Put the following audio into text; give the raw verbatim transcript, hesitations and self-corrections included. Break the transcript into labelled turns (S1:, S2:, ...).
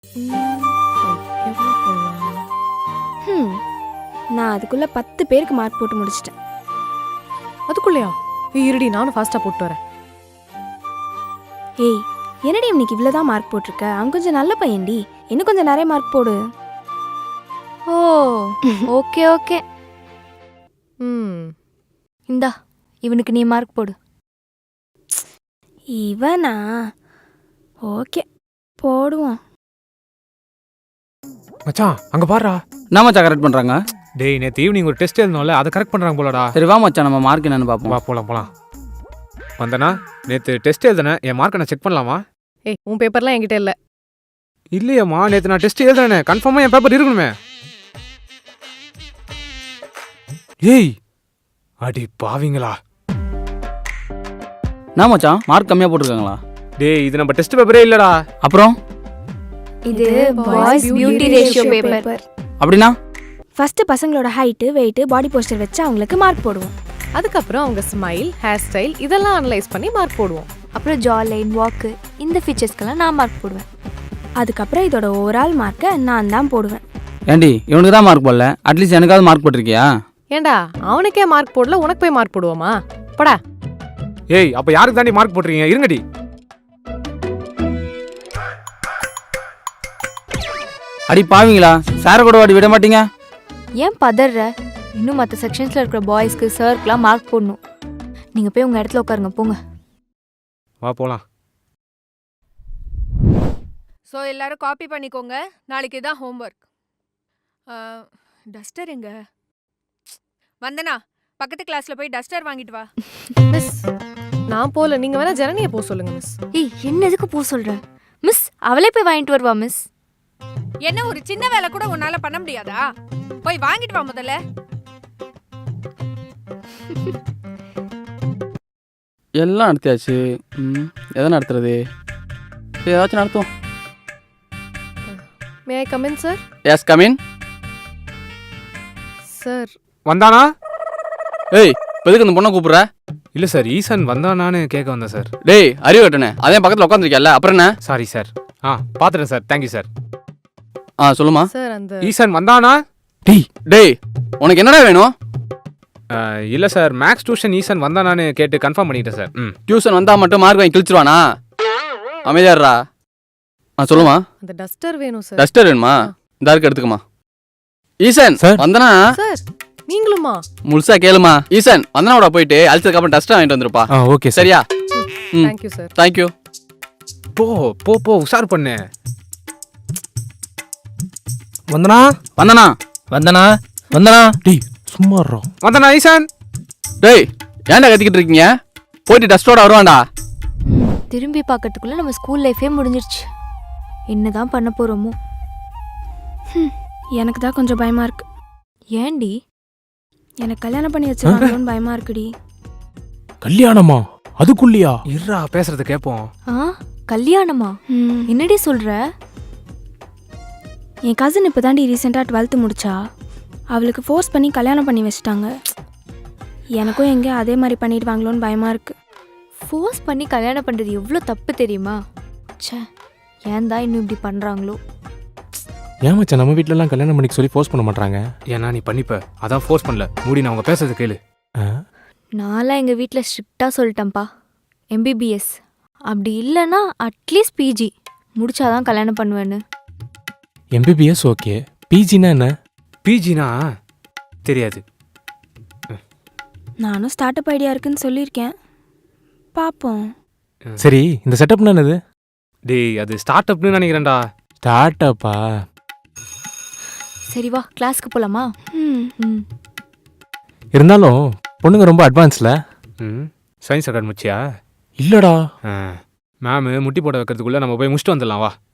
S1: எவ்வளோ போடலாம்?
S2: ம் நான் அதுக்குள்ள பத்து பேருக்கு மார்க் போட்டு முடிச்சிட்டேன்.
S1: அதுக்குள்ளயா? ஏய் இருடி, நானும் ஃபாஸ்ட்டாக போட்டு வரேன்.
S2: ஏய் என்னடி இன்னைக்கு இவ்வளோதான் மார்க் போட்டிருக்க? அவன் கொஞ்சம் நல்ல பையன்டி, இன்னும் கொஞ்சம் நிறைய மார்க் போடு.
S3: Oh okay okay.
S1: ம்
S3: இந்தா இவனுக்கு நீ மார்க் போடு.
S2: இவனா? ஓகே போடுவோம்.
S4: மச்சான் அங்க பாருடா.
S5: என்ன மச்சான் கரெக்ட் பண்றாங்க?
S4: டேய் நேற்று ஈவினிங் ஒரு டெஸ்ட் எழுதணும்ல, அதை கரெக்ட் பண்ணுறாங்க போலடா.
S5: சரி வா மச்சான் நம்ம மார்க் என்னன்னு பார்ப்போம்.
S4: வா போலாம் போலாம். வந்தனா நேற்று டெஸ்ட் எழுதுனேன், என் மார்க்கை நான் செக் பண்ணலாமா?
S1: ஏய் உன் பேப்பர்லாம் என்கிட்ட இல்லை.
S4: இல்லையம்மா, நேற்று நான் டெஸ்ட் எழுதுனேனே, கன்ஃபார்மாக என் பேப்பர் இருக்கணுமே. ஏய் அடி பாவிங்களா.
S5: என்ன மச்சான் மார்க் கம்மியா போட்டிருக்காங்களா?
S4: டேய் இது நம்ம டெஸ்ட் பேப்பரே இல்லடா.
S5: அப்புறம்
S3: இது பாய்ஸ் பியூட்டி ரேஷியோ பேப்பர்.
S5: அப்படின்னா
S2: ஃபர்ஸ்ட் பசங்களோட ஹைட்டு வெயிட்டு பாடி போஸ்டர் வச்சு அவங்களுக்கு மார்க் போடுவோம்.
S1: அதுக்கப்புறம் அவங்க ஸ்மைல், ஹேர் ஸ்டைல் இதெல்லாம் அனலைஸ் பண்ணி மார்க் போடுவோம்.
S3: அப்புறம் ஜா லைன், வாக்கு இந்த ஃபீச்சர்ஸ்க்கெல்லாம் நான் மார்க் போடுவேன்.
S2: அதுக்கப்புறம் இதோட ஓவரால் மார்க்கை நான் தான் போடுவேன்.
S5: ஏண்டி இவனுக்கு தான் மார்க் போடல, அட்லீஸ்ட் எனக்காவது மார்க் போட்டிருக்கியா?
S1: ஏண்டா அவனுக்கே மார்க் போடல, உனக்கு போய் மார்க் போடுவோமா? போடா.
S4: ஏய் அப்போ யாருக்கு தாண்டி மார்க் போட்டுருக்கீங்க? இருங்கடி.
S5: அடி பாவீங்களா, சார கூட வாடி விட மாட்டீங்க.
S3: ஏன் பதற? இன்னும் மற்ற செக்ஷன்ஸில் இருக்கிற பாய்ஸ்க்கு சர்க்கெலாம் மார்க் போடணும். நீங்கள் போய் உங்கள் இடத்துல உட்காருங்க, போங்க.
S4: வா போலாம்.
S6: ஸோ எல்லாரும் காப்பி பண்ணிக்கோங்க, நாளைக்கு தான் ஹோம்ஒர்க். டஸ்டர் எங்க? வந்தனா பக்கத்து கிளாஸ்ல போய் டஸ்டர் வாங்கிட்டு வா.
S1: மிஸ் நான் போல, நீங்க வேணா ஜனனியை போக சொல்லுங்க மிஸ்.
S3: ஏய் என்ன எதுக்கு போக சொல்கிற? மிஸ் அவளே போய் வாங்கிட்டு வருவா மிஸ்.
S6: என்ன ஒரு சின்ன வேலை கூட உன்னால பண்ண முடியாதா? போய் வாங்கிட்டு வா முதல்ல.
S5: எல்லாம் நடத்தியாச்சு. ம் எதை நடத்துறது? ஏதாச்சும் நடத்துவோம்.
S1: May I come in sir?
S5: Yes come in.
S1: Sir
S4: வந்தானா?
S5: ஏய் எதுக்கு இந்த பொண்ணை கூப்பிடுற?
S4: இல்லை சார், ஈசன் வந்தானான்னு கேட்க வந்தேன் சார்.
S5: டேய் அறிவு கட்டனே, அதே பக்கத்தில் உட்காந்துருக்கியல்ல, அப்புறம் என்ன?
S4: Sorry sir. ஆ பார்த்துட்டேன் சார், தேங்க்யூ சார்.
S5: ஆ சொல்லுமா.
S1: சார் அந்த
S4: ஈசன் வந்தானா?
S5: டேய் டேய் உனக்கு என்னடா வேணும்?
S4: இல்லை சார், மேக்ஸ் டியூஷன் ஈசன் வந்தானான்னு கேட்டு கன்ஃபார்ம் பண்ணிட்டேன் சார். ம்
S5: டியூஷன் வந்தா மட்டும் மார்க் வாங்கி கிழிச்சிருவானா? அமைதியாடுறா. ஆ சொல்லுமா.
S1: அந்த டஸ்டர் வேணும் சார்.
S5: டஸ்டர் வேணுமா? இந்த இருக்கு எடுத்துக்கமா. ஈசன்
S4: சார்.
S5: வந்தனா
S1: சார் நீங்களுமா?
S5: முழுசா கேளுமா. ஈசன் வந்தனாவோட போயிட்டு அழிச்சதுக்கு அப்புறம் டஸ்டர் வாங்கிட்டு வந்துருப்பா.
S4: ஆ ஓகே சார்.
S5: சரியா? ம்
S1: தேங்க்யூ சார்.
S5: தேங்க்யூ.
S4: போ போ போ உஷார் பண்ணு.
S7: வந்தனா
S5: வந்தனா
S7: வந்தனா வந்தனா
S4: டேய்
S7: சும்மா இருடா.
S4: வந்தானா ஈசன்?
S5: டேய் ஏன்டா கத்திக்கிட்டு இருக்கீங்க? போயிட்டு டஸ்டோட வருவான்டா.
S3: திரும்பி பார்க்கறதுக்குள்ள நம்ம ஸ்கூல் லைஃபே முடிஞ்சிருச்சு. என்னதான் பண்ண போகிறோமோ?
S2: எனக்கு தான் கொஞ்சம் பயமா இருக்கு.
S3: ஏண்டி?
S2: எனக்கு கல்யாணம் பண்ணி வச்சிருக்காங்களோன்னு பயமா இருக்குடி.
S7: கல்யாணமா? அதுக்குள்ளியா?
S4: இருடா பேசுறது கேட்போம்.
S3: ஆ கல்யாணமா?
S2: ம்
S3: என்னடி சொல்கிற?
S2: என் கசின் இப்போ தாண்டி ரீசெண்டாக டுவெல்த்து முடிச்சா. அவளுக்கு ஃபோர்ஸ் பண்ணி கல்யாணம் பண்ணி வச்சிட்டாங்க. எனக்கும் எங்கே அதே மாதிரி பண்ணிடுவாங்களோன்னு பயமாக இருக்குது.
S3: ஃபோர்ஸ் பண்ணி கல்யாணம் பண்ணுறது எவ்வளோ தப்பு தெரியுமா? ச்சே ஏன் தான் இன்னும் இப்படி பண்ணுறாங்களோ?
S7: ஏன் மச்சான் நம்ம வீட்லலாம் கல்யாணம் பண்ணிக்க சொல்லி ஃபோர்ஸ் பண்ண மாட்டாங்க?
S4: ஏன்னா நீ பண்ணிப்ப, அதான் ஃபோர்ஸ் பண்ணல. மூடி, நான் அவங்க பேசுறது கேளு.
S3: நான்லாம் எங்கள் வீட்டில் ஸ்ட்ரிக்டாக சொல்லிட்டேன்ப்பா, எம்பிபிஎஸ் அப்படி இல்லைன்னா அட்லீஸ்ட் பிஜி முடிச்சாதான் கல்யாணம் பண்ணுவேன்னு.
S7: எம்பிபிஎஸ் ஓகே, பிஜினா என்ன?
S4: பிஜினா தெரியாது.
S2: நானும் ஸ்டார்ட் அப் ஐடியா இருக்குன்னு சொல்லியிருக்கேன், பார்ப்போம்.
S7: சரி இந்த செட்டப்னா என்னது?
S4: டேய் அது ஸ்டார்ட் அப்னு நினைக்கிறேன்டா.
S7: ஸ்டார்ட் அப்பா?
S3: சரி வா கிளாஸ்க்கு போகலாமா?
S2: ம்
S3: ம்
S7: இருந்தாலும் பொண்ணுங்க ரொம்ப அட்வான்ஸ்ல.
S4: ம் சயின்ஸ் அகாடமி முச்சியா?
S7: இல்லடா.
S4: மேம் முட்டி போட வைக்கிறதுக்குள்ளே நம்ம போய் முடிச்சுட்டு வந்துடலாம் வா.